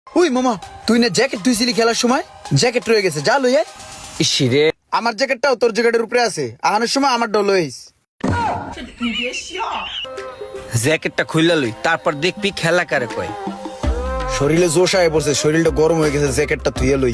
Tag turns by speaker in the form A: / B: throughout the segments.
A: We মামা, তুই না জ্যাকেট ধুইছিলি খেলার সময়, জ্যাকেট রয়ে গেছে, যা লইয়া।
B: ইসিরে
A: আমার জ্যাকেটটাও তোর জ্যাকেটের উপরে আছে, আহানোর সময় আমার ডল লইস।
B: জ্যাকেটটা খুললা লই, তারপর দেখবি খেলা কারে কয়।
A: শরীরে জোশ আয় পড়ছে, শরীরটা গরম হয়ে গেছে, জ্যাকেটটা ধুইয়া লই।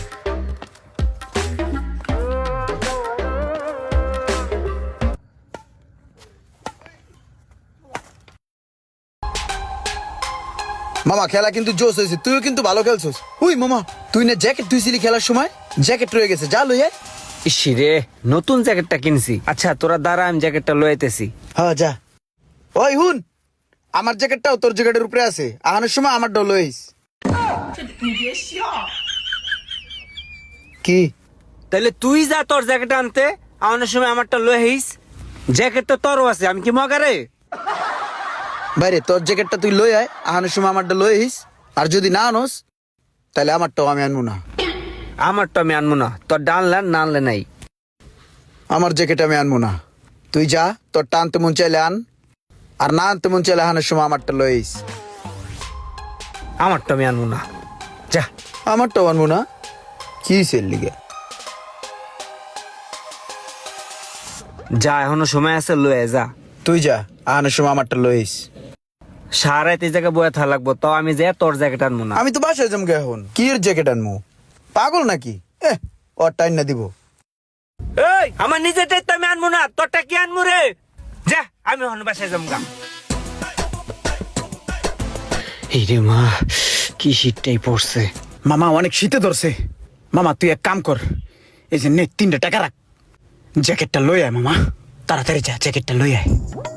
A: মামা খেলা কিন্তু জোশ হয়েছে, তুইও কিন্তু ভালো খেলছিস। উই মামা, তুই না জ্যাকেট ধুইছিলি খেলার সময়, জ্যাকেট রয়ে গেছে, যা লইয়া।
B: ইসিরে নতুন জ্যাকেটটা কিনছি। আচ্ছা তোরা দাঁড়া, আমি জ্যাকেটটা লইতেছি।
A: হ্যাঁ যা। ওই হুন, আমার জ্যাকেটটাও তোর জ্যাকেটের উপরে আছে, আহানোর সময় আমার ডল লইস। কি?
B: তাহলে তুই যা তোর জ্যাকেট আনতে, আমার সময় আমারটা লই আইস। জ্যাকেট তো তোরও আছে, আমি কি মগারে?
A: বাইরে তোর জ্যাকেটটা তুই লই আয়, আহানোর সময় আমারটা লই আইস। আর যদি না আনোস তাহলে আমারটাও আমি আনবো না।
B: আমারটা আমি আনবো না, তোর ডানলে না আনলে নাই।
A: আমার জ্যাকেট আমি আনবো না, তুই যা, তোর টানতে মন চাইলে আন, আর না আনতে মন চাইলে আহানোর সময় আমারটা লই আইস।
B: আমারটা আমি আনবো না, যা।
A: আমারটাও আনবো না? কি সেল লিগে?
B: যা, এখনো সময় আছে, লয়ে যা।
A: তুই যা, আহানোর সময় আমারটা লই আইস।
B: সারাইতে জায়গায় বয়ে থাকা লাগবো, তাও আমি যে তোর জ্যাকেট আনবো না।
A: আমি তো বাসায় জমকে এখন কি এর জ্যাকেট আনবো? পাগল নাকি? ওর টাইম না দিব।
B: এই আমার নিজেরটাই তো আমি আনবো না, তোরটা কি আনবো রে? যা, আমি এখন বাসায় জমগা। এই রে মা, কি শীতটাই পড়ছে।
A: মামা অনেক শীতে ধরছে। মামা তুই এক কাম কর, এই যে নে 3টা টাকা রাখ, জ্যাকেটটা লই আয় মামা, তাড়াতাড়ি যা, জ্যাকেটটা লই আয়।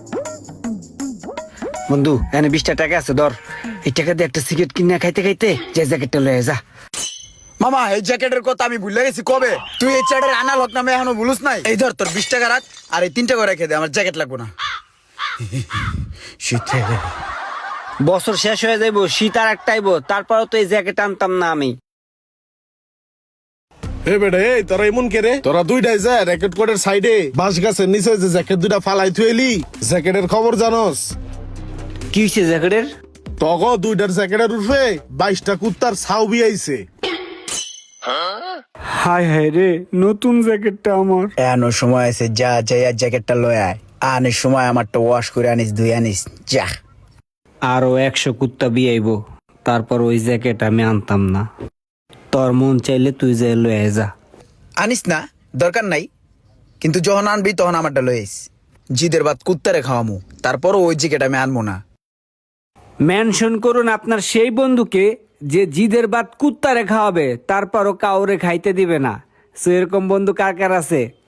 B: বন্ধু এখানে 20টা টাকা আছে, ধর। এই টাকা দিয়ে একটা সিগারেট কিনে খাইতে খাইতে যে জ্যাকেটটা লয়ে যা।
A: মামা এই জ্যাকেটের কথা আমি ভুলে গেছি কবে। তুই এই চ্যাটের আনাল হক নামে এখনো ভুলুস নাই। এই ধর তোর 20 টাকা রাখ, আর এই 3 টাকা রেখে দে, আমার জ্যাকেট লাগবো না। শীতে
B: বছর শেষ হয়ে যাইবো, শীত আর একটা আইবো, তারপরও তো এই জ্যাকেট আনতাম না আমি।
C: এ বেটা, এই তোরা এমন কে রে? তোরা দুইটাই যা র্যাকেট কোডের সাইডে বাঁশ গাছের নিচে যে জ্যাকেট দুইটা ফালাই থুয়েলি, জ্যাকেটের খবর জানোস?
B: কি হয়েছে জ্যাকেটের?
C: তগ দুইটার জ্যাকেটের উঠবে 22টা কুত্তার ছাউ বিয়াইছে।
B: হায় হায় রে, নতুন জ্যাকেটটা আমার।
A: এনো সময় আছে, যা যাই আর জ্যাকেটটা লয় আয়। আনিস সময় আমারটা ওয়াশ করে আনিস, ধুই আনিস, যা।
B: আরো 100 কুত্তা বিয়াইবো, তারপর ওই জ্যাকেট আমি আনতাম না। তোর মন চাইলে তুই যে লয়ে যা।
A: আনিস না, দরকার নাই, কিন্তু যখন আনবি তখন আমারটা লই আইস। জিদের বাদ কুত্তারে খাওয়ামু, তারপরও ওই জ্যাকেট আমি আনবো না।
B: মেনশন করুন আপনার সেই বন্ধুকে যে জিদের বাদ কুত্তারে খাওয়াবে, তারপরও কাউরে খাইতে দিবে না। সো এরকম বন্ধু কার কার আছে?